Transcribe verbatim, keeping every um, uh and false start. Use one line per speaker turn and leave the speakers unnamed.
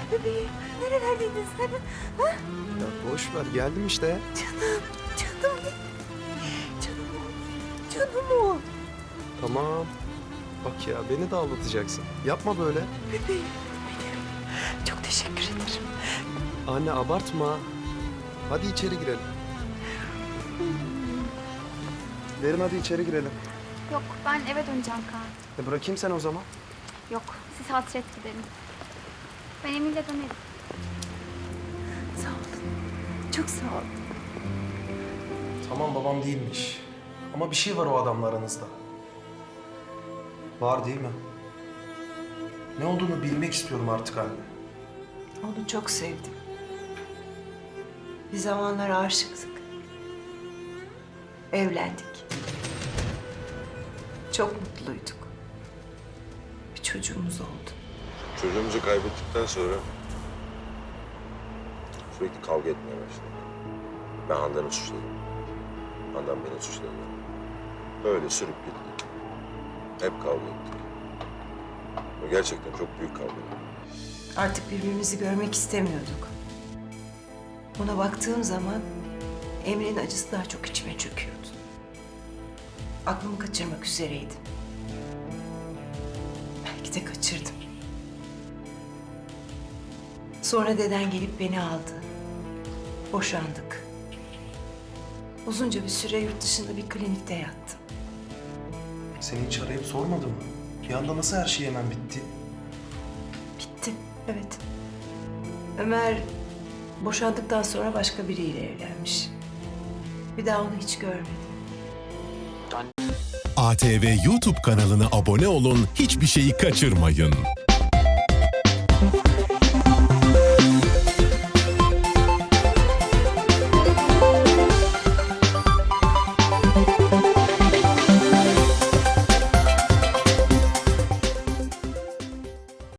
Bebeğim, nerelerdeydin sen? Ha?
Ya boş ver, geldim işte.
Canım, canım. Canım o, canım o.
Tamam. Bak ya, beni de ağlatacaksın. Yapma böyle.
Bebeğim, benim. Çok teşekkür ederim.
Anne abartma. Hadi içeri girelim. Derin hadi içeri girelim.
Yok, ben eve döneceğim Kaan.
E bırakayım sen o zaman.
Yok, siz hasret giderin. Ben Emin'le dönerim.
Sağ olun. Çok sağ olun.
Tamam babam değilmiş. Ama bir şey var o adamla aranızda. Var değil mi? Ne olduğunu bilmek istiyorum artık anne.
Onu çok sevdim. Bir zamanlar aşıktık. Evlendik. Çok mutluyduk. Bir çocuğumuz oldu.
Çocuğumuzu kaybettikten sonra sürekli kavga etmeye başladık. Ben Handan'ı suçladım. Handan beni suçladı. Öyle sürüp gittik. Hep kavga ettik. Ve gerçekten çok büyük kavga ettik.
Artık birbirimizi görmek istemiyorduk. Ona baktığım zaman Emre'nin acısı daha çok içime çöküyordu. Aklımı kaçırmak üzereydim. Belki de kaçırdım. Sonra deden gelip beni aldı. Boşandık. Uzunca bir süre yurt dışında bir klinikte yattım.
Seni hiç arayıp sormadı mı? Bir anda nasıl her şey hemen bitti?
Bitti, evet. Ömer boşandıktan sonra başka biriyle evlenmiş. Bir daha onu hiç görmedim.
A T V YouTube kanalına abone olun, hiçbir şeyi kaçırmayın.